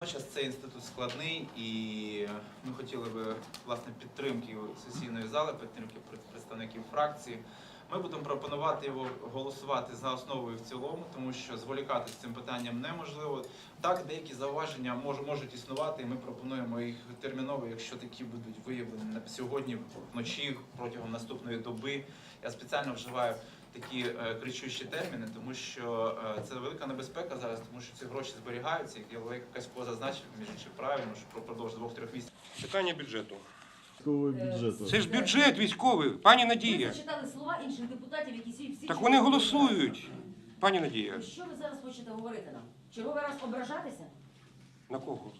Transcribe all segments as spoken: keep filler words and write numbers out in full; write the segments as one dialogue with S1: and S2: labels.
S1: Водночас цей інститут складний, і ми хотіли би власне підтримки сесійної зали, підтримки представників фракції. Ми будемо пропонувати його голосувати за основу і в цілому, тому що зволікати з цим питанням неможливо. Так, деякі зауваження мож, можуть існувати, і ми пропонуємо їх терміново, якщо такі будуть виявлені на сьогодні, вночі, протягом наступної доби. Я спеціально вживаю такі е, кричущі терміни, тому що е, це велика небезпека зараз, тому що ці гроші зберігаються, як Олег Касько зазначив, між іншим правильно, що продовж двох-трьох місяців.
S2: Питання бюджету.
S3: Бюджету.
S2: Це ж бюджет військовий, пані
S4: Ви
S2: Надія.
S4: зачитали слова інших депутатів, які всі всі...
S2: Так вони голосують, пані Надія.
S4: Що ви зараз хочете говорити нам? Черговий раз ображатися?
S2: На кого?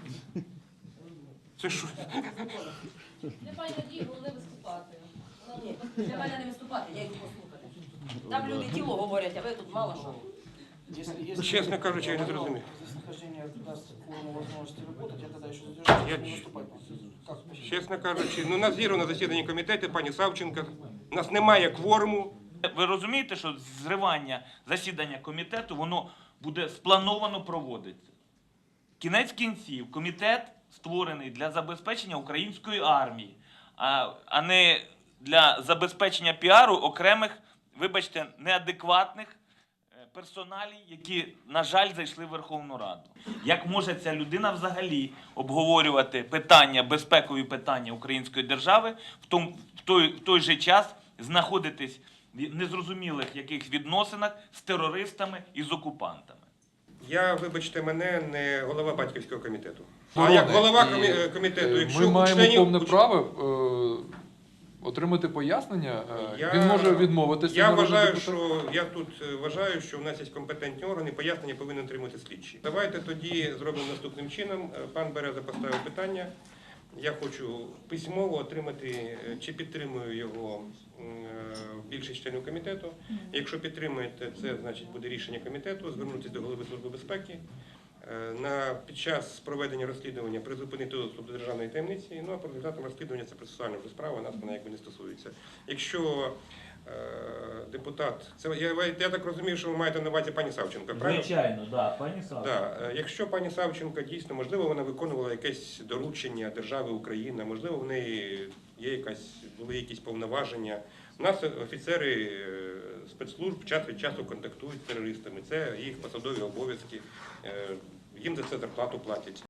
S2: Це що?
S5: Немає надії, головне виступати.
S4: Ні, для мене не виступати, я йду послухати. Там люди тіло говорять, а ви тут мало що.
S2: Чесно кажучи, я не зрозумів.
S6: Если нахождение даст кворум возможности работать, я тогда еще задержусь,
S2: Я-
S6: не выступать. Как?
S2: Чесно кажучи, ну, у нас зірвано засідання комітету, пані Савченко. У нас немає кворуму.
S7: Ви розумієте, що зривання засідання комітету, воно буде сплановано проводитися. Кінець кінців, комітет створений для забезпечення української армії, а, а не для забезпечення піару окремих, вибачте, неадекватних е, персоналій, які, на жаль, зайшли в Верховну Раду. Як може ця людина взагалі обговорювати питання, безпекові питання української держави, в, том, в, той, в той же час знаходитись в незрозумілих яких відносинах з терористами і з окупантами?
S2: Я, вибачте мене, не голова батьківського комітету. А
S8: Оборони.
S2: як голова
S8: І,
S2: комі- комітету,
S8: е,
S2: якщо
S8: ми
S2: у
S8: маємо
S2: членів...
S8: повне
S2: у-
S8: право е, отримати пояснення. Е,
S2: Я-
S8: Він може відмовитися.
S2: Я
S8: народний
S2: вважаю,
S8: депутат.
S2: що я тут е, вважаю, що в нас є компетентні органи, пояснення повинен отримати слідчі. Давайте тоді зробимо наступним чином. Е, Пан Береза поставив питання. Я хочу письмово отримати, е, чи підтримую його е, більшість членів комітету. Якщо підтримуєте, це значить буде рішення комітету, звернутися до голови Служби безпеки. Е, На, під час проведення розслідування призупинити доступ до державної таємниці, ну а по результатам розслідування це процесуальна вже справа, нас вона якби не стосується. Якщо е, депутат, це я, я так розумію, що ви маєте на увазі пані Савченко, правильно?
S7: Звичайно, да, пані Савченко.
S2: Да. е, Якщо пані Савченко дійсно, можливо, вона виконувала якесь доручення держави Україна, можливо, в неї є якась, були якісь повноваження. У нас офіцери е, спецслужб час від часу контактують з терористами, це їх посадові обов'язки, е, їм за це зарплату платять.